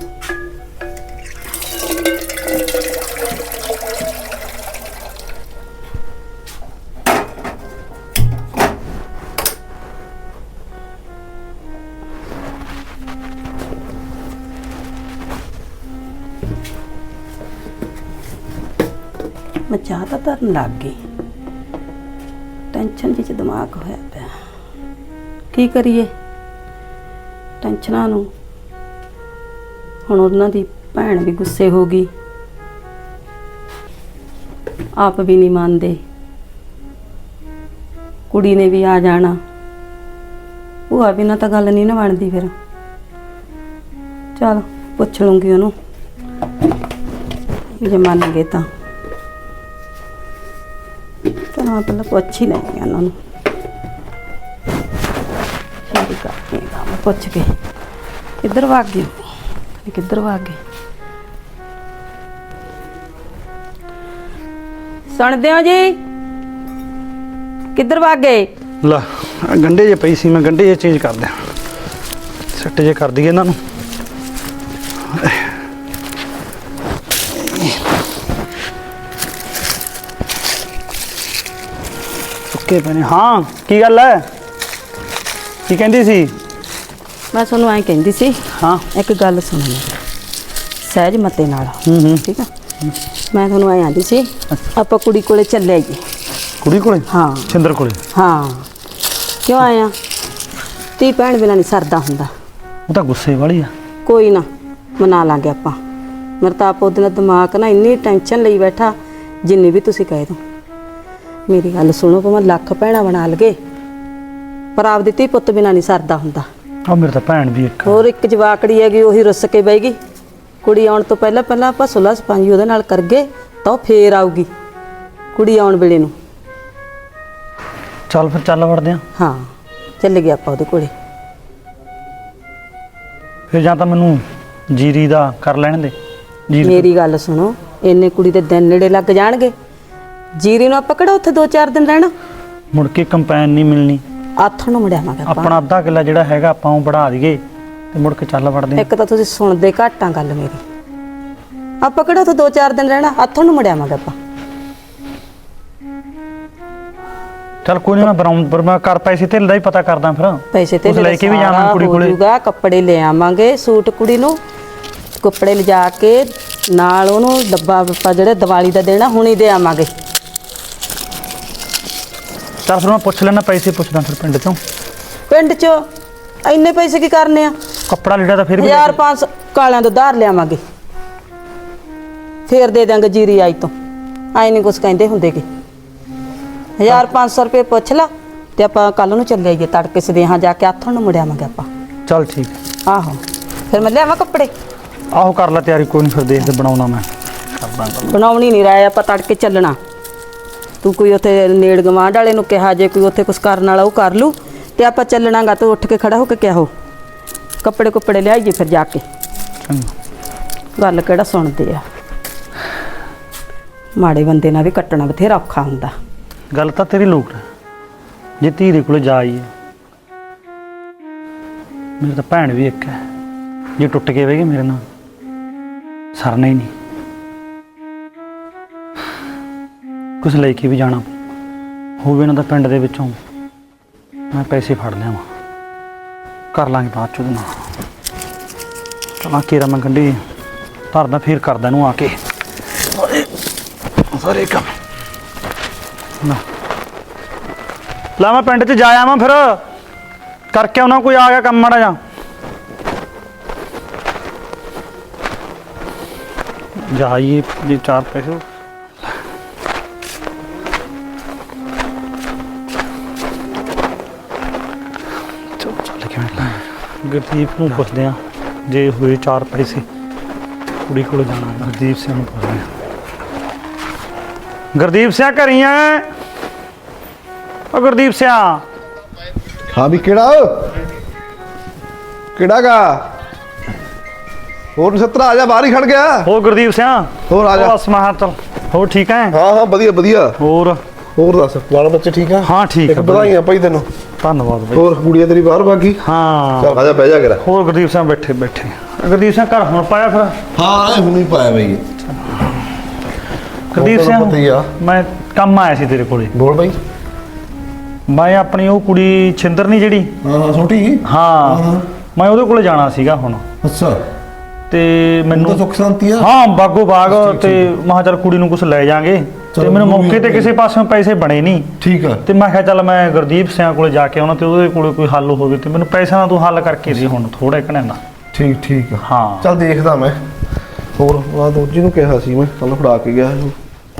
मैं चाह तो धरन लग गई टेंशन जी दिमाग होया पिया की करिए टेंशनां नूं हुण उन्हां दी भैण भी गुस्से हो गई आप भी नहीं मानते कुड़ी ने भी आ जाना भूआ बिना तो गल नहीं ना बनती फिर चल पुछ लूँगी उन्होंने जे मन गए तो चल मैं पहले पुछ ही लैनी उन्होंने पुछ के किधर भाग गए किधर भाग गए सुनते हो जी किधर भाग गए ला गंढे जे पई सी मैं गंढे जे चेंज कर दियां सट्ट जे कर दईए इन्हां नूं सुक्के पे ने हाँ की गल है की कहंदी सी मैं तुहानूं ऐ कहंदी सी हाँ एक गल सुणनी सहज मते नाल ठीक है मैं तुहानूं ऐ आंदी सी आपां कुड़ी कोले चले आईए कुड़ी कोले हाँ छिंदर कोले हाँ क्यों आया धी भैन बिना नहीं सरदा हुंदा वो तो गुस्से वाली आ कोई ना मना लांगे आपां मेरा तो आप उहदे दिमाग ना इन्नी टेंशन लई बैठा जिन्नी भी तुसीं कह दो मेरी गल सुनो भावें लख भैणां बना लगे पर आपदी धी पुत्त बिना नहीं सरदा हुंदा और मेरे तो भैन भी एक होर एक जवाकड़ी हैगी उही रुस के बहेगी कुड़ी आउण तो पहला पहला आपां सुलह सफाई उहदे नाल करगे तां फिर आऊगी कुड़ी आउण वेले नूं चल फिर चल वड़दे आ हाँ चल गए आपां उहदे कोले फिर जां तां मैनूं जीरी दा कर लैण दे जीरी मेरी गल सुनो इन्ने कुड़ी दे दिन नेड़े लग जाणगे जीरी नूं आपां किहड़ा उत्थे 2-4 दिन रहना मुड़ के कंपैन नहीं मिलनी आथण नूं मुड़िआवांगे आपां अपना अद्धा किला जिहड़ा हैगा आपां ਉਹ बढ़ा दईए ते मुड़ के चल वड़दे एक तां तुसीं सुणदे घੱਟ आ गल मेरी आपां किहड़ा उत्थे 2-4 दिन रहना आथण नूं मुड़िआवांगे आपां चल कोई नहीं मैं बनाऊं पर मैं कर पैसे ढिल दा ही पता करदा फिर पैसे ते उस लेके भी जावां कुड़ी कोले कपड़े ले आवांगे सूट कुड़ी नूं कपड़े लिजा के नाल ओनूं डब्बा ਆਪਾਂ ਜਿਹੜੇ ਦੀਵਾਲੀ ਦਾ ਦੇਣਾ ਹੁਣੀ ਦੇ ਆਵਾਂਗੇ चल फिर मैं पुछ लेना पैसे पुछदा फिर पिंड चों ਪਿੰਡ 'ਚ ਇੰਨੇ ਪੈਸੇ ਕੀ ਕਰਨੇ ਆ कपड़ा लीड़ा तो फिर भी 1500 ਕਾਲਿਆਂ ਤੋਂ ਧਾਰ ਲਿਆਵਾਂਗੇ ਫੇਰ ਦੇ ਦਾਂਗੇ ਜੀਰੀ ਆਈ ਤੋਂ ਆਈ ਨਹੀਂ ਕੁਛ ਕਹਿੰਦੇ ਹੁੰਦੇ ਕਿ 1500 ਰੁਪਏ ਪੁੱਛ ਲਾ ਤੇ ਆਪਾਂ ਕੱਲ ਨੂੰ ਚੱਲੇ ਆਈਏ ਤੜਕੇ ਸਦੇਹਾਂ ਜਾ ਕੇ ਆਥਣ ਨੂੰ ਮੁੜਿਆਵਾਂਗੇ ਆਪਾਂ चल ठीक है ਆਹੋ ਫਿਰ ਮੈਂ ਲਿਆਵਾਂ ਕੱਪੜੇ आहो कर ला तैयारी कोई नहीं फिर देखते बनाऊना मैं करदा ਬਣਾਉਣੀ ਨਹੀਂ ਰਾਇਆ ਆਪਾਂ ਤੜਕੇ ਚੱਲਣਾ ਤੂੰ ਕੋਈ ਉੱਥੇ ਨੇੜ ਗਵਾਂਢ ਵਾਲੇ ਨੂੰ ਕਿਹਾ ਜੇ ਕੋਈ ਉੱਥੇ ਕੁਛ ਕਰਨ ਵਾਲਾ ਉਹ ਕਰ ਲੂ ਤੇ ਆਪਾਂ ਚੱਲਣਾਗਾ ਤੂੰ ਉੱਠ ਕੇ ਖੜਾ ਹੋ ਕੇ ਕਿਹਾ ਕੱਪੜੇ ਕੁੱਪੜੇ ਲਿਆਈਏ ਫਿਰ ਜਾ ਕੇ ਗੱਲ ਕਿਹੜਾ ਸੁਣਦੇ ਆ ਮਾੜੇ ਬੰਦੇ ਨਾਲ ਵੀ ਕੱਟਣਾ ਬਥੇਰਾ ਔਖਾ ਹੁੰਦਾ गल तो तेरी लोक जे धीरे को जा आईए मेरी तो भैन भी एक है जे टुट के बह गए मेरे नाल सरना ही नहीं कुछ लेके भी जाना होवे ना तो पिंड दे विचों मैं पैसे फड़ लिया कर लांगे बाद चो चल केरा मैं गंढी धरदा फिर करदा नूं आके सारे काम ला मैं पिंड च जाया मैं फिर करके आना कोई आ गया कम माड़ा जा जाइए जी 4 पैसे गुरदीप को पुछदे आ जे हुए 4 पैसे कुड़ी को जाना गुरदीप सिंह नूं पुछदे आ गुरदीप सिंह घरी आ गुरदीप सिंह हाँ भी केड़ा गा और 70 आ जा बाहर ही खड़ गया हो गुरदीप सिंह होर आ जा बस मैं चल हो ठीक है हाँ हाँ बढ़िया बढ़िया और दस बाल बच्चे ठीक है हाँ ठीक है बधाइयां भाई तेन धन्यवाद भाई और गुड़िया तेरी बाहर भागी हाँ चल आ जा बह जा करा हो गुरदीप सिंह बैठे बैठे ਗੁਰਦੀਪ ਸਿੰਘ ਘਰ ਹੁਣ ਪਾਇਆ ਫਿਰ? ਹਾਂ ਇਹ ਹੁਣੀ ਪਾਇਆ ਬਈ। ਗੁਰਦੀਪ ਪਤਾ ਹੀ ਆ। ਸਿੰਘ ਮੈਂ ਕੰਮ ਆਇਆ ਸੀ ਤੇਰੇ ਕੋਲੇ। ਬੋਲ ਬਈ। ਮੈਂ ਆਪਣੀ ਉਹ ਕੁੜੀ ਛਿੰਦਰ ਨਹੀਂ ਜਿਹੜੀ, ਹਾਂ ਛੋਟੀ। ਹਾਂ ਮੈਂ ਉਹਦੇ ਕੋਲੇ ਜਾਣਾ ਸੀਗਾ ਹੁਣ। ਅੱਛਾ ਤੇ ਮੈਨੂੰ ਤਾਂ ਸੁੱਖ ਸ਼ਾਂਤੀ ਆ। ਹਾਂ ਬਾਗੋ ਬਾਗ। ਠੀਕ, ਤੇ ਮੈਂ ਕਿਹਾ ਚੱਲ ਕੁੜੀ ਨੂੰ ਕੁਝ ਲੈ ਜਾਾਂਗੇ। ਤੇ ਚਲੋ, ਮੈਨੂੰ ਉਹ ਵੀ ਮੌਕੇ ਤੇ okay। ਕਿਸੇ ਪਾਸਿਓਂ ਪੈਸੇ ਬਣੇ ਨਹੀਂ। ਠੀਕ ਆ। ਤੇ ਮੈਂ ਕਿਹਾ ਚੱਲ ਮੈਂ ਗੁਰਦੀਪ ਸਿੰਘ ਕੋਲੇ ਜਾ ਕੇ ਆਉਣਾ ਤੇ ਉਹਦੇ ਕੋਲੇ ਕੋਈ ਹੱਲ ਹੋਵੇ ਤੇ ਮੈਨੂੰ ਪੈਸਿਆਂ ਦਾ ਤੂੰ ਹੱਲ ਕਰਕੇ ਦੇ ਹੁਣ ਥੋੜਾ ਘਣੇ ਦਾ। ਠੀਕ ਆ। ਹਾਂ ਚੱਲ ਦੇਖਦਾ ਮੈਂ। ਹੋਰ ਆ ਦੋਜੀ ਨੂੰ ਕਿਹਾ ਸੀ ਮੈਂ ਕੱਲ ਫੜਾ ਕੇ ਗਿਆ ਇਹਨੂੰ।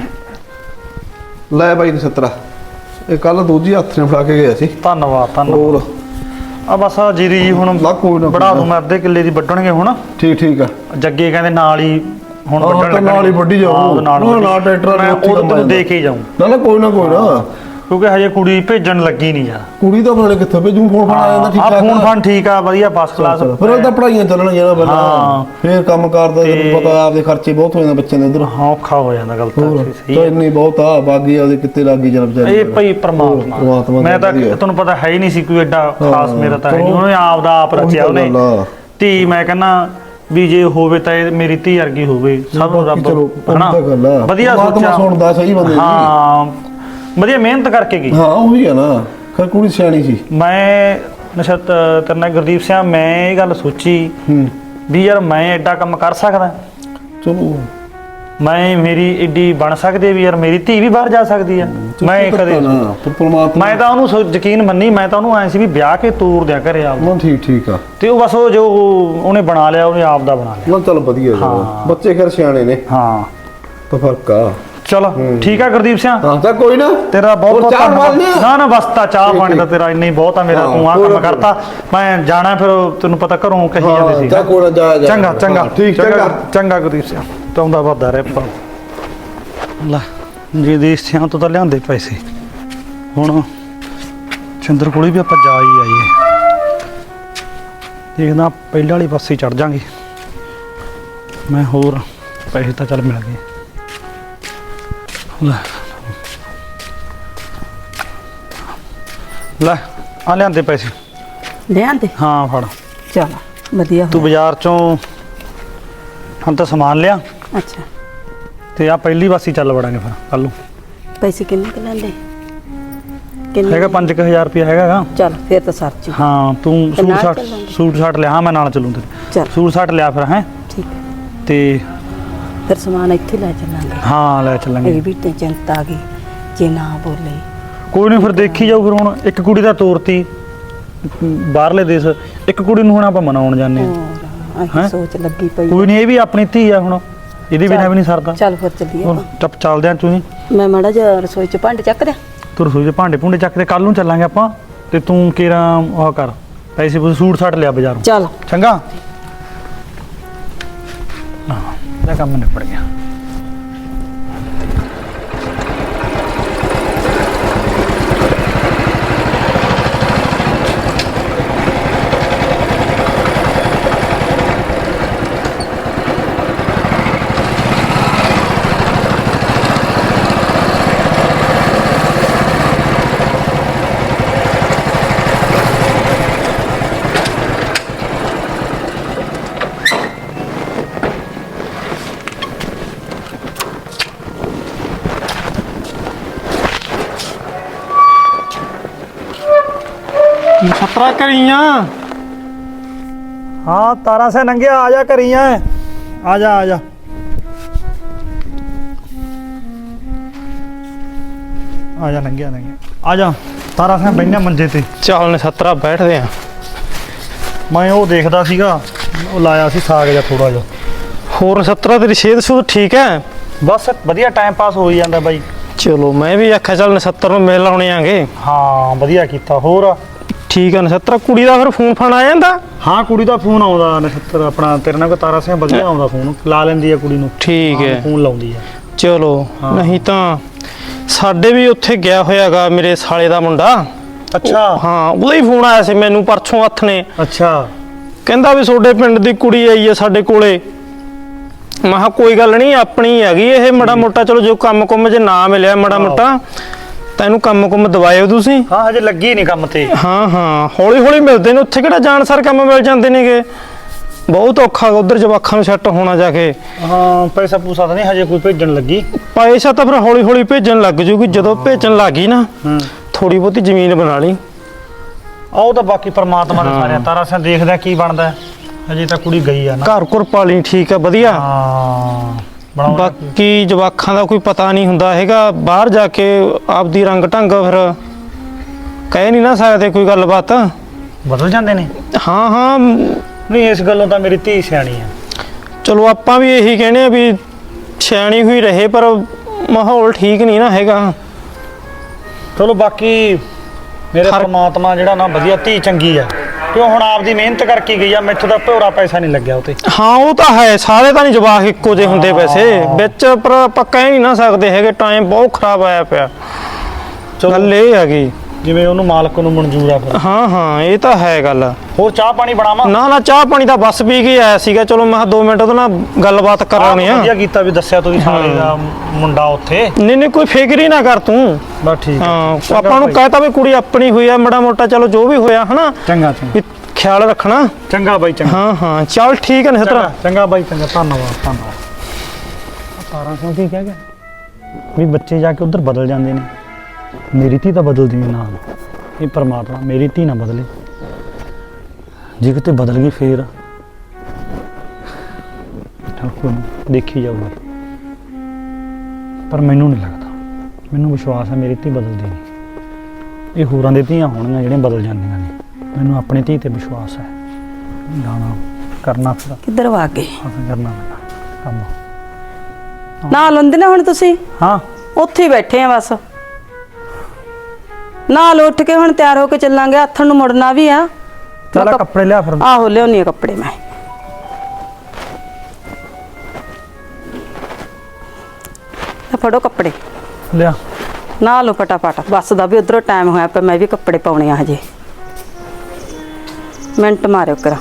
ਲੈ ਬਾਈ ਨਛੱਤਰਾ ਇਹ ਕੱਲ ਦੋਜੀ ਹੱਥ ਨੇ ਫੜਾ ਕੇ ਗਿਆ ਸੀ। ਧੰਨਵਾਦ ਹੋਰ ਆ ਬਸ ਆ ਜੀਰੀ ਜੀ ਹੁਣ ਲਾ ਕੋਈ ਨਾ ਬੜਾ ਦੂੰ ਮੈਂ ਅੱਧੇ ਕਿੱਲੇ ਦੀ ਵੱਢਣਗੇ ਹੁਣ। ਠੀਕ ਆ। ਜੱਗੇ ਕਹਿੰਦੇ ਨਾਲ ਹੀ ਹੁਣ ਹਾਂ, ਵੱਢਣ ਤਾਂ ਨਾਲ ਹੀ ਵੱਢੀ ਜਾਊ। ਹਾਂ, ਉਹਦੇ ਨਾਲ ਉਹ ਵੱਢੀ। ਨਾਲ ਟਰੈਕਟਰ ਮੈਂ ਉੱਥੇ ਉਦੋਂ ਕੰਮ ਤੈਨੂੰ ਆ ਦੇ ਕੇ ਹੀ ਜਾਊਂ ਨਾ ਕੋਈ ਨਾ ਕਿਉਂਕਿ ਹਜੇ ਕੁੜੀ ਭੇਜਣ ਲੱਗੀ ਨਹੀਂ ਯਾਰ। ਕੁੜੀ ਤਾਂ ਆਪਣੇ ਕਿੱਥੇ ਭੇਜੂ ਫੋਨ ਫੜਾ ਜਾਂਦਾ ਠੀਕ ਆ ਠਾਕ ਫੋਨ ਫਾਨ ਠੀਕ ਆ ਵਧੀਆ ਫਸਟ ਕਲਾਸ। ਫਿਰ ਉਹ ਤਾਂ ਪੜਾਈਆਂ ਚੱਲਣਗੀਆਂ ਨਾ ਪਹਿਲਾਂ। ਹਾਂ। ਫਿਰ ਕੰਮ ਕਰਦਾ ਤੇ- ਤੈਨੂੰ ਪਤਾ ਆਪਦੇ ਖਰਚੇ ਬਹੁਤ ਹੋ ਜਾਂਦੇ ਬੱਚਿਆਂ ਦੇ ਉਧਰ। ਹਾਂ ਔਖਾ ਹੋ ਜਾਂਦਾ ਗੱਲ ਤਾਂ ਹੋਰ ਸਹੀ ਤਾਂ ਹੈ। ਇੰਨੀ ਬਹੁਤ ਆ ਬਾਗੀ ਉਹਦੇ ਕਿੱਤੇ ਲੱਗੀ ਜਨ ਵਿਚਾਰੀ। ਇਹ ਭਈ ਪਰਮਾਤਮਾ ਮੈਂ ਤਾਂ ਤੁਹਾਨੂੰ ਪਤਾ ਹੈ ਹੀ ਨਹੀਂ ਸੀ ਕੋਈ ਐਡਾ ਖਾਸ ਮੇਰਾ ਤਾਂ ਹੈ ਨਹੀਂ। ਉਹਨੇ ਆਪ ਦਾ ਆਪ ਰਚਿਆ ਉਹਨੇ ਧੀ। ਮੈਂ ਕਹਿੰਦਾ ਵੀ ਜੇ ਹੋਵੇ ਤਾਂ ਇਹ ਮੇਰੀ ਧੀ ਵਰਗੀ ਹੋਵੇ। ਸਭ ਨੂੰ ਰੱਬ ਹਨਾ ਵਧੀਆ ਸੋਚਿਆ ਸੁਣਦਾ ਸਹੀ ਬੰਦੇ ਦੀ। ਹਾਂ ਵਧੀਆ ਮਿਹਨਤ ਕਰਕੇ ਗਈ। ਹਾਂ ਉਹੀ ਹੈ ਨਾ ਖਰ ਕੁੜੀ ਸਿਆਣੀ ਸੀ। ਮੈਂ ਨਸ਼ਤ ਤੇਰੇ ਨਾਲ ਗੁਰਦੀਪ ਸਿੰਘ ਮੈਂ ਇਹ ਗੱਲ ਸੋਚੀ ਵੀ ਯਾਰ ਮੈਂ ਐਡਾ ਕੰਮ ਕਰ ਸਕਦਾ। ਚਲੋ ਮੈਂ ਮੇਰੀ ਏਡੀ ਬਣ ਸਕਦੀ ਵੀ ਯਾਰ ਮੇਰੀ ਧੀ ਵੀ ਬਾਹਰ ਜਾ ਸਕਦੀ ਆ। ਮੈਂ ਕਦੇ ਪਰਮਾਤਮਾ ਮੈਂ ਤਾਂ ਉਹਨੂੰ ਯਕੀਨ ਮੰਨੀ। ਮੈਂ ਤਾਂ ਉਹਨੂੰ ਐ ਸੀ ਵੀ ਵਿਆਹ ਕੇ ਤੋਰ ਦਿਆ ਘਰੇ ਆਪ। ਨਾ ਠੀਕ ਆ। ਤੇ ਉਹ ਬਸ ਉਹ ਜੋ ਉਹਨੇ ਬਣਾ ਲਿਆ ਉਹਨੇ ਆਪ ਦਾ ਬਣਾ ਲਿਆ। ਨਾ ਚੱਲ ਵਧੀਆ ਹਾਂ। ਬੱਚੇ ਖਰ ਸਿਆਣੇ ਨੇ ਹਾਂ ਤਾਂ ਫਰਕ ਆ। ਚਲ ਠੀਕ ਆ ਗੁਰਦੀਪ ਸਿੰਘ। ਹਾਂ ਤਾਂ ਕੋਈ ਨਾ ਤੇਰਾ ਬਹੁਤ ਬਹੁਤ ਚਾਹ ਧੰਨਵਾਦ। ਮਾਰਨੀ ਆ? ਨਾ ਨਾ ਬਸ ਤਾਂ ਚਾਹ ਪਾਣੀ ਦਾ ਤੇਰਾ ਇੰਨਾ ਹੀ ਬਹੁਤ ਆ ਮੇਰਾ। ਤੂੰ ਆ ਕੰਮ ਕਰਤਾ ਮੈਂ ਜਾਣਾ ਫਿਰ ਤੈਨੂੰ ਪਤਾ ਘਰੋਂ ਕਹੀ ਜਾਂਦੇ ਸੀ। ਤਾਂ ਕੋਈ ਨਾ ਜਾ ਚੰਗਾ ਚੰਗਾ ਠੀਕ ਚੰਗਾ। ਚੰਗਾ ਗੁਰਦੀਪ ਸਿੰਘ ਤਾਉਂਦਾ ਵਾਦਾ ਰਹਿ ਪਾ। ਲੈ ਗੁਰਦੀਪ ਸਿੰਘ ਤੋਂ ਤਾਂ ਲਿਆਂਦੇ ਪੈਸੇ। ਹੁਣ ਚੰਦਰ ਕੋਲੇ ਵੀ ਆਪਾਂ ਜਾ ਹੀ ਆਈਏ। ਦੇਖਦਾ ਪਹਿਲਾਂ ਵਾਲੀ ਪਾਸੇ ਚੜ ਜਾਾਂਗੇ ਮੈਂ। ਹੋਰ ਪੈਸੇ ਤਾਂ ਚੱਲ ਮਿਲ ਗਏ। ਲੈ ਆ ਲਿਆਂਦੇ ਪੈਸੇ। ਲਿਆਂਦੇ? ਹਾਂ ਫੜ। ਚਲ ਵਧੀਆ ਤੂੰ ਹੋਇਆ। ਬਾਜ਼ਾਰ ਚੋਂ ਹੁਣ ਤਾਂ ਸਮਾਨ ਲਿਆ ਅੱਛਾ ਤੇ ਆ ਪਹਿਲੀ ਵਾਸੀ ਚੱਲ ਵੜਾਂਗੇ ਫਿਰ ਕੱਲ ਨੂੰ। ਪੈਸੇ ਕਿੰਨੇ ਕੁ ਲੈਂਦੇ? ਕਿੰਨੇ? ਹੈਗਾ 5000 ਰੁਪਇਆ ਹੈਗਾ ਗਾ। ਚੱਲ ਫਿਰ ਤਾਂ ਸਰਚ। ਹਾਂ ਤੂੰ ਤੇ ਨਾਲ ਚੱਲਾਂਗੇ। ਸੂਟ ਸਾਟ ਲਿਆ। ਹਾਂ ਮੈਂ ਨਾਲ ਚੱਲੂ ਤੇਰੇ। ਚੱਲ ਸੂਟ ਸਾਟ ਲਿਆ ਫਿਰ ਹੈ ਠੀਕ ਹੈ। ਤੇ ਫਿਰ ਸਮਾਨ ਇੱਥੇ ਲੈ ਚੱਲਾਂਗੇ। ਹਾਂ ਲੈ ਚੱਲਾਂਗੇ। ਇਹ ਵੀ ਤੇ ਚਿੰਤਾ ਆ ਗਈ ਜੇ ਨਾ ਬੋਲੇ। ਕੋਈ ਨਹੀਂ ਫਿਰ ਦੇਖੀ ਜਾਊ। ਫਿਰ ਹੁਣ ਇੱਕ ਕੁੜੀ ਦਾ ਤੋਰਤੀ ਬਾਹਰਲੇ ਦੇਸ਼, ਇੱਕ ਕੁੜੀ ਨੂੰ ਹੁਣ ਆਪਾਂ ਮਨਾਉਣ ਜਾਂਦੇ ਹਾਂ। ਹੋਰ ਆਹ ਸੋਚ ਲੱਗੀ ਪਈ। ਕੋਈ ਨਹੀਂ ਇਹ ਵੀ ਆਪਣੀ ਧੀ ਆ ਹੁਣ। ਇਹਦੇ ਬਿਨਾਂ ਵੀ ਨਹੀਂ ਸਰਦਾ। ਚੱਲ ਫਿਰ ਚੱਲੀਏ। ਹੁਣ ਟੱਪ ਚੱਲਦੇ ਆ ਤੂੰ। ਮੈਂ ਮਾੜਾ ਜਿਹਾ ਰਸੋਈ ਚ ਭਾਂਡੇ ਚੱਕ ਦਿਆਂ। ਤੂੰ ਰਸੋਈ ਦੇ ਭਾਂਡੇ ਭੁੰਡੇ ਚੱਕ ਤੇ ਕੱਲ ਨੂੰ ਚੱਲਾਂਗੇ ਆਪਾਂ। ਤੇ ਤੂੰ ਕਿਹੜਾ ਉਹ ਕਰ ਪੈਸੇ ਪੂਸੇ ਸੂਟ ਸਾਟ ਲਿਆ ਬਾਜ਼ਾਰੋਂ। ਚੱਲ ਚੰਗਾ। ਹਾਂ ਇਹਦਾ ਕੰਮ ਨਿਬੜ ਗਿਆ। ਖਤਰਾ ਕਰੀਆਂ। ਹਾਂ ਤਾਰਾ ਸੇ ਨੰਗਿਆ ਆ ਜਾ ਕਰੀਆਂ। ਆ ਜਾ ਆ ਜਾ। ਆ ਜਾ ਨੰਗਿਆ ਆ ਜਾ। ਤਾਰਾ ਸੇ ਬੈਠਾ ਮੰਜੇ ਤੇ। ਚੱਲ ਨਛੱਤਰਾ ਬੈਠਦੇ ਆ। ਮੈਂ ਉਹ ਦੇਖਦਾ ਸੀਗਾ ਉਹ ਲਾਇਆ ਸੀ ਸਾਗ ਜਾਂ ਥੋੜਾ ਜਿਹਾ। ਹੋਰ ਨਛੱਤਰਾ ਤੇਰੀ ਸਿਹਤ ਸੁਧ ਠੀਕ ਹੈ? ਬਸ ਵਧੀਆ ਟਾਈਮ ਪਾਸ ਹੋਈ ਜਾਂਦਾ ਬਾਈ। ਚਲੋ ਮੈਂ ਵੀ ਆਖਿਆ ਚੱਲ ਨਛੱਤਰ ਨੂੰ ਮਿਲ ਆਉਣੇ ਆਂਗੇ। ਹਾਂ ਵਧੀਆ ਕੀਤਾ। ਹੋਰ ਠੀਕ ਆ ਨਛੱਤਰਾ। ਕੁੜੀ ਦਾ ਫਿਰ ਫੋਨ ਫਾਨ ਆ ਜਾਂਦਾ? ਹਾਂ ਕੁੜੀ ਦਾ ਫੋਨ ਆਉਂਦਾ ਨਛੱਤਰ ਆਪਣਾ ਤੇਰੇ ਨਾਲ ਤਾਰਾ ਸਿੰਘ ਵਧੀਆ ਆਉਂਦਾ ਫੋਨ ਲਾ ਲੈਂਦੀ ਆ ਕੁੜੀ ਨੂੰ। ਠੀਕ ਹੈ ਫੋਨ ਲਾਉਂਦੀ ਆ। ਚਲੋ ਹਾਂ। ਨਹੀਂ ਤਾਂ ਸਾਡੇ ਵੀ ਉੱਥੇ ਗਿਆ ਹੋਇਆਗਾ ਮੇਰੇ ਸਾਲੇ ਦਾ ਮੁੰਡਾ। ਅੱਛਾ ਹਾਂ ਉਹਦਾ ਹੀ ਫੋਨ ਆਇਆ ਸੀ ਮੈਨੂੰ ਪਰਸੋਂ ਹੱਥ ਨੇ। ਅੱਛਾ ਕਹਿੰਦਾ ਵੀ ਤੁਹਾਡੇ ਪਿੰਡ ਦੀ ਕੁੜੀ ਆਈ ਹੈ ਸਾਡੇ ਕੋਲੇ। ਮੈਂ ਕਿਹਾ ਕੋਈ ਗੱਲ ਨਹੀਂ ਆਪਣੀ ਹੈਗੀ ਇਹ। ਮਾੜਾ ਮੋਟਾ ਚਲੋ ਜੋ ਕੰਮ ਕੁੰਮ ਜੇ ਨਾ ਮਿਲਿਆ ਮਾੜਾ ਮੋਟਾ ਤਾਂ ਇਹਨੂੰ ਕੰਮ ਕੁੰਮ ਦਵਾਇਓ ਤੁਸੀਂ। ਹਾਂ ਹਜੇ ਲੱਗੀ ਨਹੀਂ ਕੰਮ ਤੇ। ਹਾਂ ਹਾਂ ਹੌਲੀ ਹੌਲੀ ਮਿਲਦੇ ਨੇ ਉੱਥੇ। ਕਿਹੜਾ ਜਾਣ ਸਾਰ ਕੰਮ ਮਿਲ ਜਾਂਦੇ ਨੇਗੇ। ਬਹੁਤ ਔਖਾ ਉਧਰ ਜਵਾਖਾਂ ਨੂੰ ਸੈੱਟ ਹੋਣਾ ਜਾ ਕੇ। ਹਾਂ ਪੈਸਾ ਪੂਸਾ ਤਾਂ ਨਹੀਂ ਹਜੇ ਕੋਈ ਭੇਜਣ ਲੱਗੀ। ਪੈਸਾ ਤਾਂ ਫਿਰ ਹੌਲੀ ਹੌਲੀ ਭੇਜਣ ਲੱਗ ਜੂਗੀ, ਜਦੋਂ ਭੇਜਣ ਲੱਗੀ ਨਾ ਥੋੜੀ ਬਹੁਤੀ ਜ਼ਮੀਨ ਬਣਾ ਲਈ। ਉਹ ਤਾਂ ਬਾਕੀ ਪਰਮਾਤਮਾ ਦੇ ਸਾਰੇ ਤਾਰਾ ਸਿਆਂ ਦੇਖਦਾ ਕੀ ਬਣਦਾ ਹੈ। ਹਜੇ ਤਾਂ ਕੁੜੀ ਗਈ ਆ ਨਾ। ਘਰ ਘੁਰ ਪਾਲੀ ਠੀਕ ਆ ਵਧੀਆ। ਹਾਂ ਬਣਾਉਣਾ ਬਾਕੀ ਜਵਾਖਾਂ ਦਾ ਕੋਈ ਪਤਾ ਨਹੀਂ ਹੁੰਦਾ ਹੈਗਾ, ਬਾਹਰ ਜਾ ਕੇ ਆਪਦੀ ਰੰਗ ਢੰਗ ਫਿਰ ਕਹਿ ਨਹੀਂ ਨਾ ਸਕਦੇ ਕੋਈ ਗੱਲਬਾਤ। ਬਦਲ ਜਾਂਦੇ ਨੇ। ਹਾਂ ਹਾਂ ਨਹੀਂ ਇਸ ਗੱਲੋਂ ਤਾਂ ਮੇਰੀ ਧੀ ਸਿਆਣੀ ਆ। ਚਲੋ ਆਪਾਂ ਵੀ ਇਹੀ ਕਹਿੰਦੇ ਆ ਵੀ ਸਿਆਣੀ ਹੋਈ ਰਹੇ, ਪਰ ਮਾਹੌਲ ਠੀਕ ਨਹੀਂ ਨਾ ਹੈਗਾ। ਚਲੋ ਬਾਕੀ ਮੇਰੇ ਪਰਮਾਤਮਾ ਜਿਹੜਾ ਨਾ ਵਧੀਆ ਧੀ ਚੰਗੀ ਆ, ਕਿਉਂ ਹੁਣ ਆਪਦੀ ਮਿਹਨਤ ਕਰਕੇ ਗਈ ਆ, ਮੈਥੋਂ ਤਾਂ ਭੋਰਾ ਪੈਸਾ ਨਹੀਂ ਲੱਗਿਆ ਉਹ ਤੇ। ਹਾਂ ਉਹ ਤਾਂ ਹੈ, ਸਾਰੇ ਤਾਂ ਨਹੀਂ ਜਵਾਕ ਇੱਕੋ ਜਿਹੇ ਹੁੰਦੇ ਵੈਸੇ ਵਿੱਚ, ਪਰ ਆਪਾਂ ਕਹਿ ਨਹੀਂ ਨਾ ਸਕਦੇ ਹੈਗੇ। ਟਾਈਮ ਬਹੁਤ ਖਰਾਬ ਆਇਆ ਪਿਆ, ਗੱਲ ਇਹ ਹੈਗੀ। ਜਿਵੇਂ ਉਹਨੂੰ ਮਾਲਕ ਨੂੰ ਮਨਜ਼ੂਰ ਆ ਫਿਰ। ਹਾਂ ਹਾਂ ਇਹ ਤਾਂ ਹੈ ਗੱਲ। ਹੋਰ ਚਾਹ ਪਾਣੀ ਬਣਾਵਾਂ? ਨਾ ਨਾ ਚਾਹ ਪਾਣੀ ਤਾਂ ਬਸ ਪੀ ਕੇ ਆਇਆ ਸੀਗਾ, ਚਲੋ ਮੈਂ 2 ਮਿੰਟ ਉਹਦੇ ਨਾਲ ਗੱਲਬਾਤ ਕਰਾਉਣੀ ਆ। ਵਧੀਆ ਕੀਤਾ ਵੀ ਦੱਸਿਆ ਤੁਸੀਂ ਸਾਲੇ ਦਾ ਮੁੰਡਾ ਉੱਥੇ। ਨਹੀਂ ਨਹੀਂ ਕੋਈ ਫਿਕਰ ਹੀ ਨਾ ਕਰ ਤੂੰ। ਬਸ ਠੀਕ ਹਾਂ ਆਪਾਂ ਨੂੰ ਕਹਿਤਾ ਵੀ ਕੁੜੀ ਆਪਣੀ ਹੋਈ ਆ, ਮਾੜਾ ਮੋਟਾ ਚਲੋ ਜੋ ਵੀ ਹੋਇਆ ਹਨਾ ਚੰਗਾ ਚੰਗਾ ਵੀ ਖਿਆਲ ਰੱਖਣਾ। ਚੰਗਾ ਬਾਈ ਚੰਗਾ। ਹਾਂ ਹਾਂ ਚੱਲ ਠੀਕ ਹੈ ਨਹਿਤਰਾ। ਚੰਗਾ ਬਾਈ ਚੰਗਾ, ਧੰਨਵਾਦ ਧੰਨਵਾਦ। ਤਾਰਾ ਸਿੰਘ ਕੀ ਕਹਿ ਗਿਆ ਵੀ ਬੱਚੇ ਜਾ ਕੇ ਉਧਰ ਬਦਲ ਜਾਂਦੇ ਨੇ, ਮੇਰੀ ਧੀ ਤਾਂ ਬਦਲਦੀ ਨਹੀਂ ਨਾ। ਇਹ ਪਰਮਾਤਮਾ ਮੇਰੀ ਧੀ ਨਾ ਬਦਲੇ, ਜੇ ਕਿਤੇ ਬਦਲ ਗਈ ਫੇਰ ਚੱਲ ਕੋਈ ਨੀ, ਦੇਖੀ ਜਾਊਗੀ। ਪਰ ਮੈਨੂੰ ਨਹੀਂ ਲੱਗਦਾ, ਮੈਨੂੰ ਵਿਸ਼ਵਾਸ ਹੈ ਮੇਰੀ ਧੀ ਬਦਲਦੀ ਨਹੀਂ। ਇਹ ਹੋਰਾਂ ਦੀ ਧੀਆਂ ਹੋਣਗੀਆਂ ਜਿਹੜੀਆਂ ਬਦਲ ਜਾਂਦੀਆਂ ਨੇ, ਮੈਨੂੰ ਆਪਣੀ ਧੀ ਤੇ ਵਿਸ਼ਵਾਸ ਹੈ। ਜਾਣਾ ਕਰਨਾ ਫਿਰ ਕਿੱਧਰ ਵਾ ਗਏ? ਕਰਨਾ ਪੈਣਾ ਕੰਮ। ਨਾਲ ਹੁੰਦੇ ਨਾ ਹੁਣ ਤੁਸੀਂ ਹਾਂ ਉੱਥੇ ਹੀ ਬੈਠੇ ਆ ਬਸ। ਨਾਲ ਉੱਠ ਕੇ ਹੁਣ ਤਿਆਰ ਹੋ ਕੇ ਚੱਲਾਂਗੇ, ਆਥਣ ਨੂੰ ਮੁੜਨਾ ਵੀ ਆ। ਚੱਲ ਕੱਪੜੇ ਲਿਆ ਫਿਰ। ਆਹੋ ਲਿਆਉਣੀ ਆ ਕੱਪੜੇ ਮੈਂ। ਆ ਫੜੋ ਕੱਪੜੇ ਲਿਆ। ਨਾ ਲਓ ਫਟਾਫਟ, ਬੱਸ ਦਾ ਵੀ ਉਧਰੋਂ ਟਾਈਮ ਹੋਇਆ ਪਿਆ, ਮੈਂ ਵੀ ਕੱਪੜੇ ਪਾਉਣੇ ਆ ਹਜੇ। ਮਿੰਟ ਮਾਰਿਓ ਕਰਾ।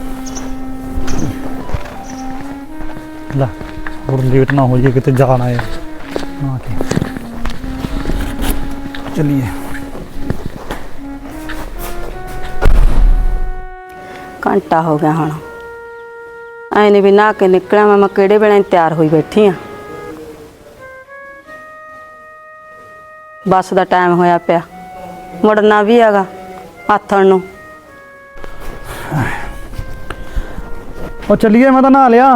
ਲੈ ਹੋਰ ਲੇਟ ਨਾ ਹੋ ਜਾਏ ਕਿਤੇ ਜਾਣਾ ਹੈ ਨਾ ਕੇ। ਚਲਿਏ। ਘੰਟਾ ਹੋ ਗਿਆ ਹੁਣ, ਐ ਨਹੀਂ ਵੀ ਨਹਾ ਕੇ ਨਿਕਲਿਆ ਮੈਂ ਕਿਹੜੇ ਵੇਲੇ ਤਿਆਰ ਹੋਈ ਬੈਠੀ ਆ। ਬੱਸ ਦਾ ਟਾਈਮ ਹੋਇਆ ਪਿਆ, ਮੁੜਨਾ ਵੀ ਹੈਗਾ ਆਥਣ ਨੂੰ। ਉਹ ਚੱਲੀਏ, ਮੈਂ ਤਾਂ ਨਹਾ ਲਿਆ,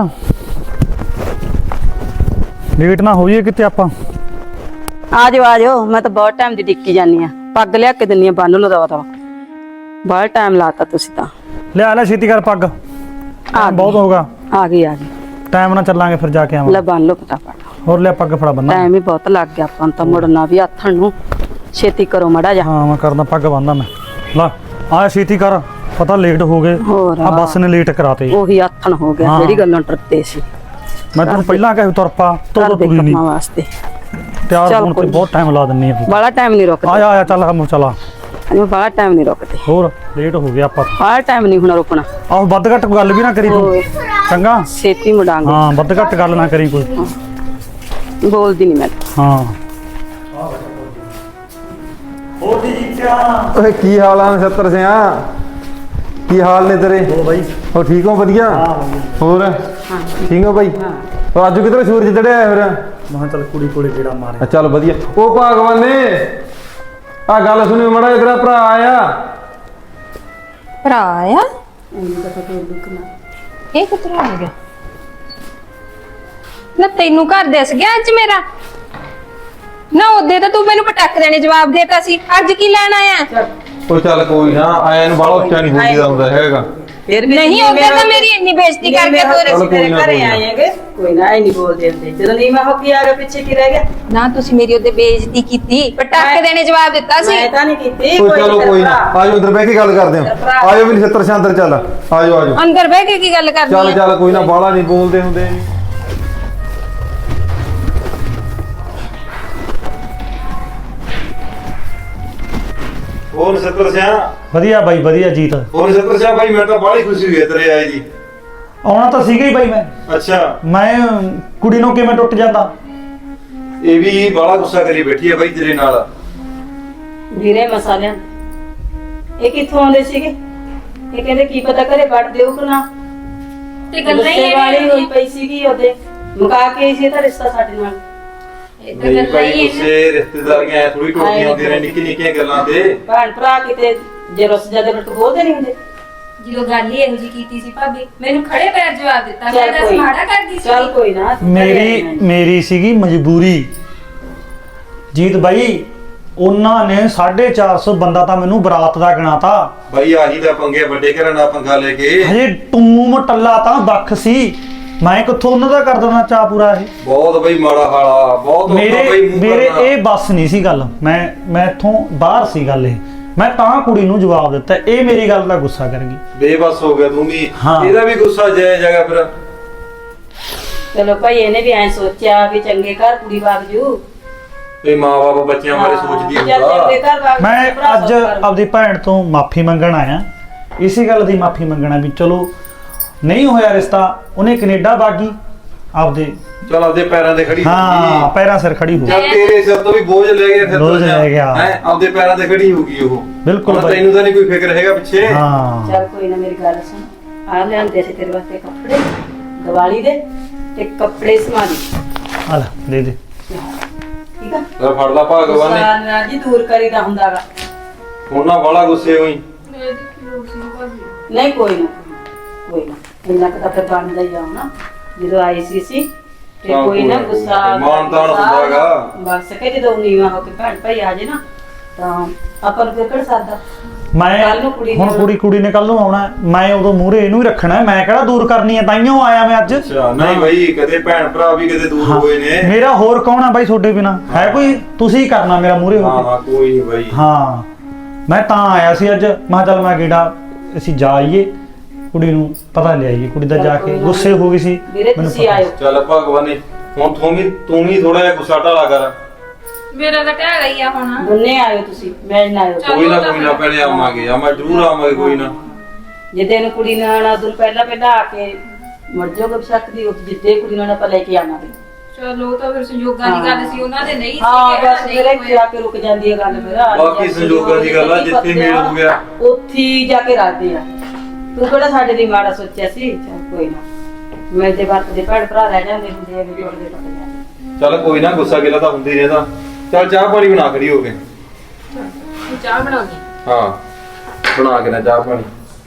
ਲੇਟ ਨਾ ਹੋ ਜਾਈਏ ਕਿਤੇ ਆਪਾਂ। ਆ ਜਾਓ ਮੈਂ ਤਾਂ ਬਹੁਤ ਟਾਈਮ ਦੀ ਡਿੱਕੀ ਜਾਨੀ ਆ। ਪੱਗ ਲਿਆ ਕੇ ਦਿੰਨੀ ਆ, ਬੰਨ ਲਓ ਦਵਾ ਦਵਾ। ਬਹੁਤ ਟਾਈਮ ਲਾਤਾ ਤੁਸੀਂ ਤਾਂ। ਲਿਆ ਲੈ ਛੇਤੀ ਕਰ ਪੱਗ, ਆ ਬਹੁਤ ਹੋਗਾ। ਆ ਗਈ ਟਾਈਮ ਨਾਲ ਚੱਲਾਂਗੇ ਫਿਰ ਜਾ ਕੇ ਲੈ ਆਵਾਂ। ਬੰਨ ਲਓ ਫਟਾਫਟ। ਹੋਰ ਲਿਆ ਪੱਗ ਫੜਾ ਬੰਨਾ। ਟਾਈਮ ਵੀ ਬਹੁਤ ਲੱਗ ਗਿਆ ਆਪਾਂ ਨੂੰ ਤਾਂ, ਮੁੜਨਾ ਵੀ ਆਥਣ ਨੂੰ। ਛੇਤੀ ਕਰੋ ਮੜਾ ਜਾ। ਹਾਂ ਮੈਂ ਕਰਦਾ, ਪੱਗ ਬੰਨਦਾ ਮੈਂ। ਲਾ ਆ ਛੇਤੀ ਕਰ, ਪਤਾ ਲੇਟ ਹੋ ਗਏ। ਹੋਰ ਆ ਬੱਸ ਨੇ ਲੇਟ ਕਰਾਤੇ। ਉਹੀ ਆਥਣ ਹੋ ਗਿਆ, ਹਾਂ। ਜਿਹੜੀ ਗੱਲੋਂ ਡਰਦੇ ਸੀ। ਮੈਂ ਤੈਨੂੰ ਪਹਿਲਾਂ ਕਹਿ ਤੁਰ ਪਾ, ਘਰ ਤੋ ਦੇ ਤੁਰੀ ਨਹੀਂ। ਕੰਮਾਂ ਵਾਸਤੇ ਤਿਆਰ ਚੱਲ ਹੋਣ ਤੇ ਕੋਈ ਬਹੁਤ ਟਾਈਮ ਲਾ ਦਿੰਨੀ ਆ। ਬੜਾ ਟਾਈਮ ਨਹੀਂ ਰੁਕਦੇ। ਆ ਚੱਲ ਕੰਮ ਚਲਾ। ਅਸੀਂ ਬੜਾ ਟਾਈਮ ਨਹੀਂ ਰੁਕਦੇ, ਹੋਰ ਲੇਟ ਹੋ ਗਿਆ ਆਪਾਂ। ਬੜਾ ਟਾਈਮ ਨਹੀਂ ਹੁਣ ਰੁਕਣਾ। ਆਹੋ ਵੱਧ ਘੱਟ ਗੱਲ ਵੀ ਨਾ ਕਰੀ ਤੂੰ, ਹੋਰ। ਚੰਗਾ। ਛੇਤੀ ਮੁੜਾਂਗੇ। ਹਾਂ ਵੱਧ ਘੱਟ ਗੱਲ ਨਾ ਕਰੀ ਕੋਈ। ਬੋਲਦੀ ਨਹੀਂ ਮੈਂ। ਹਾਂ ਓਏ ਕੀ ਹਾਲ ਆ ਨਛੱਤਰ ਸਿਆ? ਕੀ ਹਾਲ ਨੇ ਤੇਰੇ? ਹੋ ਬਾਈ। ਹੋ ਠੀਕ ਹੋ? ਵਧੀਆ। ਹੋਰ ਠੀਕ ਹੋ ਬਾਈ? ਉਹ ਅੱਜ ਕਿਧਰ ਸੂਰਜ ਚੜਿਆ ਫਿਰ? ਮੈਂ ਚੱਲ ਕੁੜੀ ਕੋਲੇ ਜਿਹੜਾ ਮਾਰਿਆ। ਚੱਲ ਵਧੀਆ। ਉਹ ਭਗਵਾਨੇ ਆ ਗੱਲ ਸੁਣੀ ਮੜਾ, ਤੇਰਾ ਭਰਾ ਆਇਆ। ਭਰਾ ਆਇਆ? ਇਹ ਕਿੱਥੋਂ ਆ ਗਿਆ? ਨਾ ਤੈਨੂੰ ਘਰ ਦਿਸ ਗਿਆ ਅੱਜ ਮੇਰਾ? ਨਾ ਉਹਦੇ ਤਾਂ ਤੂੰ ਮੈਨੂੰ ਪਟਕ ਦੇਣੇ ਜਵਾਬ ਦੇਤਾ ਸੀ, ਅੱਜ ਕੀ ਲੈਣ ਆਇਆ? ਉਹ ਚੱਲ ਕੋਈ ਨਾ, ਆਇਆ ਨੂੰ ਬਾਹਲਾ ਉੱਚਾ ਨਹੀਂ ਬੋਲੀਦਾ ਹੁੰਦਾ ਹੈਗਾ। ਫਿਰ ਨਹੀਂ ਉਹਦੇ ਤਾਂ ਮੇਰੀ ਇੰਨੀ ਬੇਇੱਜ਼ਤੀ ਕਰਕੇ ਚਲੋ ਕੋਈ ਨਾ, ਕੋਈ ਨਾ। ਆਏਗੇ ਕੋਈ ਨਾ, ਇਹ ਨਹੀਂ ਬੋਲਦੇ ਹੁੰਦੇ। ਜਦੋਂ ਨਹੀਂ ਮੈਂ ਹੋ ਕੇ ਆ ਗਿਆ, ਪਿੱਛੇ ਕੀ ਰਹਿ ਗਿਆ? ਨਾ ਤੁਸੀਂ ਮੇਰੀ ਉਹਦੇ ਬੇਇੱਜ਼ਤੀ ਕੀਤੀ, ਪਟਕ ਦੇਣੇ ਜਵਾਬ ਦਿੱਤਾ ਸੀ। ਮੈਂ ਤਾਂ ਨਹੀਂ ਕੀਤੀ। ਕੋਈ ਚਲੋ ਕੋਈ ਨਾ, ਆਜੋ ਅੰਦਰ ਬਹਿ ਕੇ ਗੱਲ ਕਰਦੇ ਹਾਂ। ਆਜੋ ਵੀ ਨਛੱਤਰ ਸਿਆ ਅੰਦਰ ਚੱਲ, ਆਜੋ ਆਜੋ। ਅੰਦਰ ਬਹਿ ਕੇ ਕੀ ਗੱਲ ਕਰਨੀ ਚੱਲ ਹੈ? ਚੱਲ ਕੋਈ ਨਾ, ਬਾਹਲਾ ਨਹੀਂ ਬੋਲਦੇ ਹੁੰਦੇ। ਹੋਰ ਨਛੱਤਰ ਸਿਆ? ਵਧੀਆ ਬਾਈ ਵਧੀਆ ਜੀਤ। ਹੋਰ ਨਛੱਤਰ ਸਿਆ ਬਾਈ, ਮੈਨੂੰ ਤਾਂ ਬਾਹਲੀ ਖੁਸ਼ੀ ਹੋਈ ਹੈ ਤੇਰੇ ਆਏ ਜੀ। ਆਉਣਾ ਤਾਂ ਸੀਗਾ ਹੀ ਬਾਈ ਮੈਂ। ਅੱਛਾ। ਮੈਂ ਕੁੜੀ ਨੂੰ ਕਿਵੇਂ ਟੁੱਟ ਜਾਂਦਾ? ਇਹ ਵੀ ਬਾਹਲਾ ਗੁੱਸਾ ਕਰੀ ਬੈਠੀ ਹੈ ਬਾਈ ਤੇਰੇ ਨਾਲ। ਵੀਰੇ ਮਸਾਲਿਆਂ ਇਹ ਕਿੱਥੋਂ ਆਉਂਦੇ ਸੀਗੇ? ਇਹ ਕਹਿੰਦੇ ਕੀ ਪਤਾ ਘਰੇ ਕੱਢ ਦਿਓ ਕਿ ਨਾ। ਤੇ ਗੱਲਾਂ ਹੀ ਗੁੱਸੇ ਵਾਲੀ ਹੋਈ ਇਹਦੀਆਂ ਪਈ ਸੀਗੀ ਉਹਦੇ ਮੁਕਾ ਕੇ ਆਈ ਸੀ ਇਹਦਾ ਰਿਸ਼ਤਾ ਸਾਡੇ ਨਾਲ। ਇਹ ਤਾਂ ਨਹੀਂ ਗੱਲਾਂ ਭਾਈ ਹੀ ਇਹਨਾਂ ਗੁੱਸੇ ਰਿਸ਼ਤੇਦਾਰੀਆਂ ਐ ਥੋੜੀ ਟੁੱਟਦੀਆਂ ਹੁੰਦੀਆਂ ਨੇ ਨਿੱਕੀ ਨਿੱਕੀਆਂ ਗੱਲਾਂ ਤੇ। ਭੈਣ ਭਰਾ ਕਿਤੇ ਜੇ ਰੁੱਸ ਜਾਂਦੇ ਰੁੱਟ ਬੋਲਦੇ ਨਹੀਂ ਹੁੰਦੇ। ਜਦੋਂ ਗੱਲ ਹੀ ਇਹੋ ਜੀ ਕੀਤੀ ਸੀ ਭਾਬੀ ਮੈਨੂੰ ਖੜੇ ਪੈਰ ਜਵਾਬ ਦਿੱਤਾ ਮੈਂ ਚੱਲ ਦੱਸ ਕੋਈ ਮਾੜਾ ਕਰਦੀ ਸੀ ਚੱਲ ਕੋਈ ਨਾ ਮੇਰੀ ਸੀਗੀ ਮਜਬੂਰੀ। ਜੀਤ ਬਾਈ ਉਹਨਾਂ ਨੇ 450 ਬੰਦਾ ਤਾਂ ਮੈਨੂੰ ਬਰਾਤ ਦਾ ਗਿਣਾਤਾ। ਭਾਈ ਆਹੀ ਤਾਂ ਪੰਗੇ ਵੱਡੇ ਘਰਾਂ ਨਾਲ ਪੰਗਾ ਲੈ ਕੇ ਹਜੇ ਟੂਮ ਟੱਲਾ ਤਾਂ ਦੱਖ ਸੀ। ਮੈਂ ਕਿੱਥੋਂ ਉਹਨਾਂ ਦਾ ਕਰ ਦੇਣਾ ਚਾਹ ਪੂਰਾ ਇਹ। ਬਹੁਤ ਬਈ ਮਾੜਾ ਹਾਲਾ ਬਹੁਤ ਔਖਾ ਮੇਰੇ ਬਈ ਮੂੰਹ ਮੇਰੇ ਕਰਨਾ। ਇਹ ਬੱਸ ਨਹੀਂ ਸੀ ਗੱਲ। ਮੈਂ ਇੱਥੋਂ ਬਾਹਰ ਸੀ ਗੱਲ ਇਹ। ਮੈਂ ਤਾਂ ਕੁੜੀ ਨੂੰ ਜਵਾਬ ਦਿੱਤਾ, ਇਹ ਮੇਰੀ ਗੱਲ ਦਾ ਗੁੱਸਾ ਕਰ ਗਈ। ਬੇਬਸ ਹੋ ਗਿਆ ਤੂੰ ਵੀ। ਹਾਂ। ਇਹਦਾ ਵੀ ਗੁੱਸਾ ਜਾਇਜ਼ ਹੈਗਾ ਫਿਰ। ਚਲੋ ਭਾਈ ਇਹਨੇ ਵੀ ਐ ਸੋਚਿਆ ਵੀ ਚੰਗੇ ਘਰ ਕੁੜੀ ਵਗ ਜੂ। ਤੇ ਮਾਂ-ਬਾਪ ਬੱਚਿਆਂ ਬਾਰੇ ਸੋਚਦੀ ਚੱਲ ਚੰਗੇ ਹੁੰਦਾ। ਘਰ ਵਗ ਜੂ, ਮੈਂ ਭਰਾ ਅੱਜ ਸੌਖਾ ਰਹੂ। ਆਪਦੀ ਭੈਣ ਤੋਂ ਮਾਫੀ ਮੰਗਣ ਆਇਆ। ਇਸੇ ਗੱਲ ਦੀ ਮਾਫੀ ਮੰਗਣਾ ਵੀ ਚਲੋ ਨਹੀਂ ਹੋਇਆ ਰਿਸ਼ਤਾ, ਉਹਨੇ ਕੈਨੇਡਾ ਬਾਗੀ ਆਪਦੇ ਚਲ ਆਪਦੇ ਪੈਰਾਂ ਤੇ ਖੜੀ ਹਾਂ ਪੈਰਾਂ ਸਿਰ ਖੜੀ ਹੋ। ਜਦ ਤੇਰੇ ਸਿਰ ਤੋਂ ਵੀ ਬੋਝ ਲੈ ਗਿਆ ਫਿਰ ਬੋਝ ਲੈ ਗਿਆ। ਹੈ ਆਪਦੇ ਪੈਰਾਂ ਤੇ ਖੜੀ ਹੋਊਗੀ ਉਹ। ਬਿਲਕੁਲ ਹੁਣ ਬਾਈ। ਤੈਨੂੰ ਤਾਂ ਨਹੀਂ ਕੋਈ ਫਿਕਰ ਹੈਗਾ ਪਿੱਛੇ। ਹਾਂ ਚੱਲ ਕੋਈ ਨਾ ਮੇਰੀ ਗੱਲ ਸੁਣ। ਆ ਲਿਆਂਦੇ ਸੀ ਤੇਰੇ ਵਾਸਤੇ ਕੱਪੜੇ ਦੀਵਾਲੀ ਦੇ ਤੇ ਕੱਪੜੇ ਸਮਾ ਦੀ। ਆ ਲੈ ਦੇ ਦੇ। ਠੀਕ ਆ ਲੈ ਫੜ ਲਾ ਭਗਵਾਨ ਨੇ। ਗੁੱਸਾ ਨਾ ਜੀ ਦੂਰ ਕਰੀਦਾ ਹੁੰਦਾਗਾ। ਉਹਨਾਂ ਵਾਲਾ ਗੁੱਸੇ ਹੋਈ। ਨਹੀਂ ਕੋਈ ਨਾ ਕੋਈ ਨਾ ਇੰਨਾ ਕੁ ਤਾਂ ਫਿਰ ਬਣਦਾ ਹੀ ਆ ਨਾ ਜਦੋਂ ਆਈ ਸੀ ਤੇ ਹਾਂ, ਕੋਈ ਨਾ ਕੋਈ ਗੁੱਸਾ ਮਾਣ ਤਾਣ ਹੁੰਦਾ ਗਾ। ਬਸ ਕੇ ਜਦੋਂ ਨੀਵਾ ਹੋ ਕੇ ਭੈਣ ਭਾਈ ਆ ਜੇ ਨਾ ਤਾਂ ਆਪਾਂ ਨੂੰ ਫਿਰ ਕਿਹੜਾ ਸਾਦਾ। ਕੱਲ੍ਹ ਨੂੰ ਕੁੜੀ ਮੈਂ ਨੂੰ- ਹੁਣ ਕੁੜੀ ਨੇ ਕੱਲ ਨੂੰ ਆਉਣਾ ਹੈ। ਮੈਂ ਉਦੋਂ ਮੂਹਰੇ ਇਹਨੂੰ ਹੀ ਰੱਖਣਾ ਹੈ। ਮੈਂ ਕਿਹੜਾ ਦੂਰ ਕਰਨੀ ਹੈ, ਤਾਈਓ ਆਇਆ ਮੈਂ ਅੱਜ। ਅੱਛਾ ਨਹੀਂ ਬਈ ਕਦੇ ਭੈਣ ਭਰਾ ਵੀ ਕਦੇ ਦੂਰ ਹਾਂ। ਹੋਏ ਨੇ। ਮੇਰਾ ਹੋਰ ਕੌਣ ਆ ਬਾਈ ਤੁਹਾਡੇ ਬਿਨਾ? ਹੈ ਕੋਈ? ਤੁਸੀਂ ਹੀ ਕਰਨਾ ਮੇਰਾ ਮੂਹਰੇ ਹੋ ਹਾਂ ਕੇ। ਹਾਂ ਕੋਈ ਨਹੀਂ ਬਈ। ਹਾਂ ਮੈਂ ਤਾਂ ਆਇਆ ਸੀ ਅੱਜ। ਮੈਂ ਕਿਹਾ ਚੱਲ ਮੈਂ ਗੇੜਾ ਅਸੀਂ ਜਾ ਆਈਏ, ਕੁੜੀ ਨੂੰ ਪਤਾ ਲੈ ਆਈਏ। ਕੁੜੀ ਦਾ ਜਾ ਕੇ ਗੁੱਸੇ ਹੋ ਗਈ ਸੀ ਵੀਰੇ ਮੈਨੂੰ ਤੁਸੀਂ ਪਤਾ। ਆਇਓ। ਚੱਲ ਭਗਵਾਨ ਨੇ ਹੁਣ ਤੂੰ ਵੀ ਥੋੜਾ ਜਿਹਾ ਗੁੱਸਾ ਢਾਲਾ ਕਰ। ਮੇਰਾ ਤਾਂ ਟਹਿ ਗਈ ਆ ਹੁਣ ਦੋਨੇ ਆਇਓ ਤੁਸੀਂ ਮੈਂ ਨਾ ਆਇਓ। ਚੱਲ। ਕੋਈ ਨਾ ਪਹਿਲੇ ਆਵਾਂਗੇ ਜ਼ਰੂਰ ਆਵਾਂਗੇ ਕੋਈ ਨਾ। ਜਿੱਦੇ ਨੂੰ ਕੁੜੀ ਨੇ ਆਣਾ ਉਦੋਂ ਪਹਿਲਾਂ ਆ ਕੇ ਮਰ ਜਾਓਗੇ ਬਸ਼ੱਕ ਦੀ ਉਹ ਜਿੱਦੇ ਕੁੜੀ ਨੂੰ ਆਪਾਂ ਲੈ ਕੇ ਆਵਾਂਗੇ। ਚਲੋ ਉਹ ਤਾਂ ਫਿਰ ਸੰਯੋਗਾਂ ਦੀ ਗੱਲ ਸੀ ਉਹਨਾਂ ਦੇ ਨਹੀਂ ਸੀ ਹਾਂ ਕਿਹੜਾ ਬਸ ਨਹੀਂ ਮੇਰੇ ਹੋਇਆ। ਜਾ ਕੇ ਰੁਕ ਜਾਂਦੀ ਹੈ ਗੱਲ ਮੇਰਾ। ਬਾਕੀ ਸੰਜੋਗਾਂ ਦੀ ਗੱਲ ਆ, ਜਿੱਥੇ ਮੇਲ ਹੋ ਗਿਆ। ਉੱਥੇ ਹੀ ਜਾ ਕੇ ਰੱਖਦੇ ਆ। ਤੂੰ ਕਿਹੜਾ ਸਾਡੇ ਲਈ ਮਾੜਾ ਸੋਚਿਆ ਸੀ। ਚੱਲ ਕੋਈ ਨਾ ਮੈਂ ਤੇ ਵਰਤ ਦੇ ਭੈਣ ਭਰਾ ਰਹਿ ਜਾਂਦੇ ਹੁੰਦੇ ਆ ਵੀ ਜੋੜਦੇ ਟੁੱਟ ਜਾਂਦੇ। ਚੱਲ ਕੋਈ ਨਾ ਗੁੱਸਾ ਗਿਲਾ ਤਾਂ ਹੁੰਦੀ ਰਹਿੰਦਾ। ਚੱਲ ਚਾਹ ਪਾਣੀ ਬਣਾ ਖੜੀ ਹੋ ਕੇ। ਤੂੰ ਚਾਹ ਬਣਾਉਣੀ ਹਾਂ ਬਣਾ ਕੇ ਨਾ ਚਾਹ ਪਾਣੀ।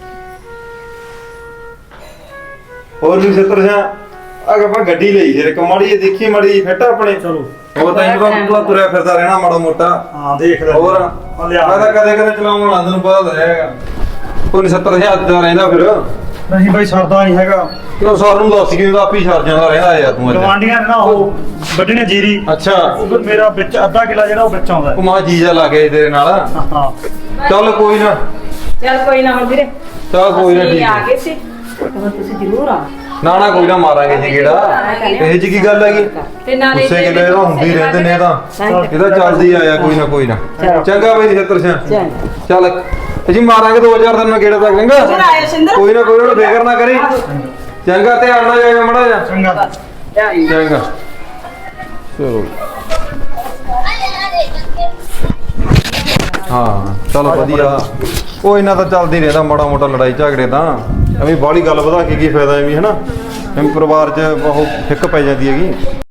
ਹੋਰ ਵੀ ਸੱਤਰ ਸਿਆ ਆਪਾਂ ਗੱਡੀ ਲਈ ਫਿਰ ਇੱਕ ਮਾੜੀ ਜਿਹੀ ਦੇਖੀ ਮਾੜੀ ਜਿਹੀ ਫਿੱਟ ਆਪਣੇ। ਚਲੋ ਹੋਰ ਤੈਨੂੰ ਤਾਂ ਤੁਰਿਆ ਫਿਰਦਾ ਰਹਿਣਾ ਮਾੜਾ ਮੋਟਾ। ਹਾਂ ਦੇਖ ਲੈ। ਹੋਰ ਆ ਲਿਆ। ਮੈਂ ਤਾਂ ਕਦੇ ਕਦੇ ਚਲਾਉਣ ਵਾਲਾ ਤੈਨੂੰ ਪਤਾ ਤਾਂ ਹੈਗਾ। ਕੋਈ 70,000 ਦਾ ਰਹਿੰਦਾ ਫਿਰ। ਨਹੀਂ ਬਾਈ ਸਰਦਾ ਨਹੀਂ ਹੈਗਾ। ਕਿਉਂ ਸਰ ਨੂੰ ਦੱਸ ਕੇ ਤਾਂ ਆਪੀ ਛੱਡ ਜਾਂਦਾ ਰਹਿੰਦਾ ਯਾਰ ਤੂੰ ਅੱਜ। ਗਵਾਂਡੀਆਂ ਨੇ ਨਾ ਉਹ ਵੱਢਣੇ ਜੀਰੀ। ਅੱਛਾ ਉਧਰ ਮੇਰਾ ਵਿੱਚ ਅੱਧਾ ਕਿਲਾ ਜਿਹੜਾ ਉਹ ਵਿੱਚ ਆਉਂਦਾ ਉਹ ਹੈ। ਮਾਂ ਜੀਜਾ ਲਾ ਕੇ ਤੇਰੇ ਨਾਲ। ਹਾਂ ਚੱਲ ਕੋਈ ਨਾ। ਚੱਲ ਕੋਈ ਨਾ ਹੁਣ ਵੀਰੇ ਚੱਲ ਕੋਈ ਨਾ ਅਸੀਂ ਠੀਕ ਆ ਹੈ। ਗਏ ਸੀ ਹੁਣ ਤੁਸੀਂ ਜ਼ਰੂਰ ਆ। ਨਾ ਕੋਈ ਨਾ ਮਾਰਾਂਗੇ ਜੀ ਗੇੜਾ। ਇਹ ਜੀ ਕੀ ਗੱਲ ਹੈਗੀ? ਤੇ ਨਾਲੇ ਗੁੱਸੇ ਗਿਲੇ ਇਹਦਾ ਹੁੰਦੀ ਰਹਿੰਦੇ ਨੇ ਇਹਦਾ। ਇਹਦਾ ਚੱਲਦੀ ਆਇਆ ਕੋਈ ਨਾ ਕੋਈ ਨਾ। ਚਲੋ। ਚੰਗਾ ਬਈ 70 ਸਿਆ। ਚੱਲ ਚੱਲ ਅਸੀਂ ਮਾਰਾਂਗੇ 2000 ਦਿਨ ਗੇੜਾ ਤੱਕ ਚੰਗਾ। ਫਿਰ ਆਇਓ ਸਿੰਦਰ। ਕੋਈ ਨਾ ਕੋਈ ਨਾ ਫਿਕਰ ਨਾ ਕਰੀ। ਚੰਗਾ ਧਿਆਨ ਨਾਲ ਜਾਇਓ ਮੜਾ ਜਾ। ਚੰਗਾ। ਚੰਗਾ ਚਲੋ। ਹਾਂ ਚਲ ਵਧੀਆ। ਉਹ ਇਹਨਾਂ ਤਾਂ ਚੱਲਦੀ ਰਹਿੰਦਾ ਮਾੜਾ ਮੋਟਾ ਲੜਾਈ ਝਗੜੇ ਤਾਂ। ਐਵੇਂ ਬਾਹਲੀ ਗੱਲ ਵਧਾ ਕੇ ਕੀ ਫਾਇਦਾ ਐਵੇਂ ਹਨਾ। ਐਵੇਂ ਪਰਿਵਾਰ 'ਚ ਉਹ ਫਿੱਕ ਪੈ ਜਾਂਦੀ ਹੈਗੀ।